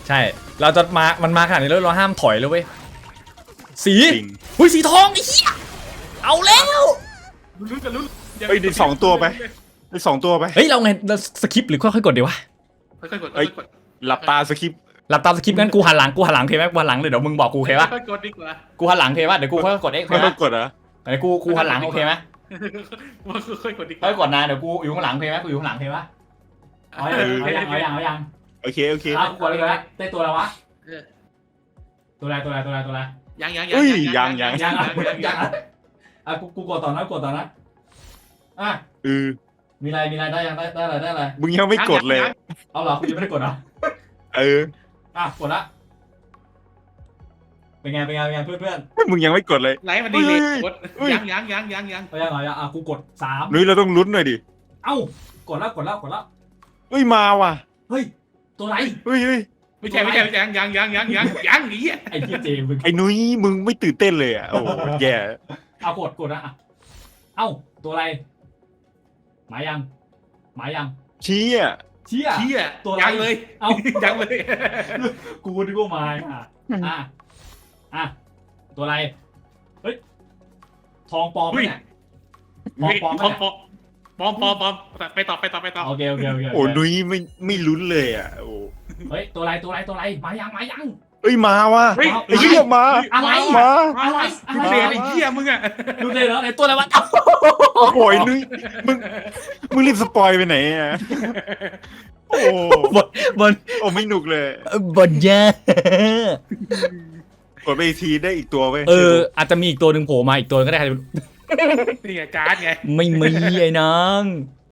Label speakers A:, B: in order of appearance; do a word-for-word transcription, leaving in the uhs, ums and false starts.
A: ใช่เราจะมามันมาขนาดนี้แล้วเราห้ามถอยเลยเว้ยสี
B: จริง
A: หุ้ยสีทองไอ้เหี้ยเอาแล้ว
C: ลุ้นกันลุ้น
B: เฮ้ยได้สองตัวไปได้สองตัวไป
A: เฮ้ยเราไงเราสคิปหรือค่อยๆกดดีวะ
C: ค่อยๆกด
B: เอ้
C: ค่
B: ย
C: อยๆกด
B: หลับตาสคริปต์
A: หลับตาสคิปงั้นกูหันหลังกูหันหลังโอเคไหมกูหันหลังเลยเดี๋ยวมึงบอกกูโอเคปะ
C: ค่อยๆกดดีกว่า
A: กูหันหลังโอเคปะเดี๋ยวกูค่อยๆกดเอ็กโอเค
B: ไม่ต้
A: ปะ
B: องกดเหรอ
A: เดี๋ยวกูกูหันหลังโอเคไหม
C: ค่อยๆกดดีก
A: ค่
C: ว่า
A: อยๆกดนะเดี๋ยวกูอยู่ข้างหลังโอเคไหมกูอยู่ข้างหลังโอเคปะเอาอย่างเอาอย่างเอาอย่างเอาอย่าง
B: โอเคโอเค
A: เอากูกดเลยนะได้ตัวแล้ววะ
C: เออ
A: ตัวอะไรตัวอะไรตัวอะไรตัวอะไร
C: ยังยัง
B: เอ้ยยังยัง
A: ยังอ่ะยังอ่ะอ่ะกูกูกดต่อนะกดต่อนะอ่ะ
B: เออ
A: มีอะไรมีอะไรได้ยังได้ได้อะไรได้อะไร
B: มึงยังไม่กดเลย
A: เอาเหรอกูยังไม่ได้กดเหรอ
B: เออ
A: อ่ะกดละเป็นไงเป็นไงเป็นไงเพื่อนเพื่อน
B: มึงยังไม่กดเลย
C: ไลฟ์มันดีเลย
B: เฮ้ย
C: กด
B: เฮ้ย
C: ยังยังยังยังยัง
A: เอายังเอายังอ่ะกูกดสาม
B: นุ้ยเราต้องลุ้นหน่อยดิ
A: เอ้ากดแล้วกดแล้วกดแล้ว
B: เฮ้ยมาว่ะ
A: เฮ้ยตัวไหน
B: เฮ้ยเฮ้ย
C: ไม่ใช่ไม่ใช่ไม่ใช่ยังยังยังยังยังยังหนีอ่ะ
A: ไอ้ที่เจมึง
B: ไอ้นุ้ยมึงไม่ตื่นเต้นเลยอ่ะโอ้โหแย่
A: เอากดกดนะอ่ะเอ้าตัวอะไรหมายยังหมายยัง
B: ชี้อ่ะ
A: เชี่ย
C: เชี่ย
A: ตัวอะไร
C: ยังเลย
A: เอ้า
C: ยังเลย
A: กูนึกว่าหมายอ่ะอ่ะอ่ะตัวอะไรเฮ้ยทองปลอมไหมเนี่ยทองปลอมไหม
C: ปอม
A: เนี่ย
C: ปอมปอมปอมปอมไปต่อไปต่อไปต่อ
A: โอเคโอเคโอเค
B: โอ้นุ้ยไม่ไม่ลุ้นเลยอ่ะโอ้
A: เฮ้ยตัวอะไรตัวอะไรตัวอะไรหมายยังหมายยัง
B: เอ้ยมาว่ะ
C: เฮ้ย
B: ไอ้เหี้ยมา
A: อะไร
B: มา
A: อะไร
C: ดูเดนไอ้เหี้ยมึงอ่ะ
A: ดูเลยเหรอไหนตัวอะไรวะ
B: โอ้ยนุ้ยมึงมึงรีบสปอยไปไหนอ่ะโอ้
A: บนบน
B: โอ้ไม่หนุกเลย
A: บนเยอะ
B: กดไปอีกทีได้อีกตัวเว้ย
A: เอออาจจะมีอีกตัวหนึ่งโผล่มาอีกตัวก็ได้
C: นี่ไงการ์ดไง
A: ไม่มีไอ้น้อง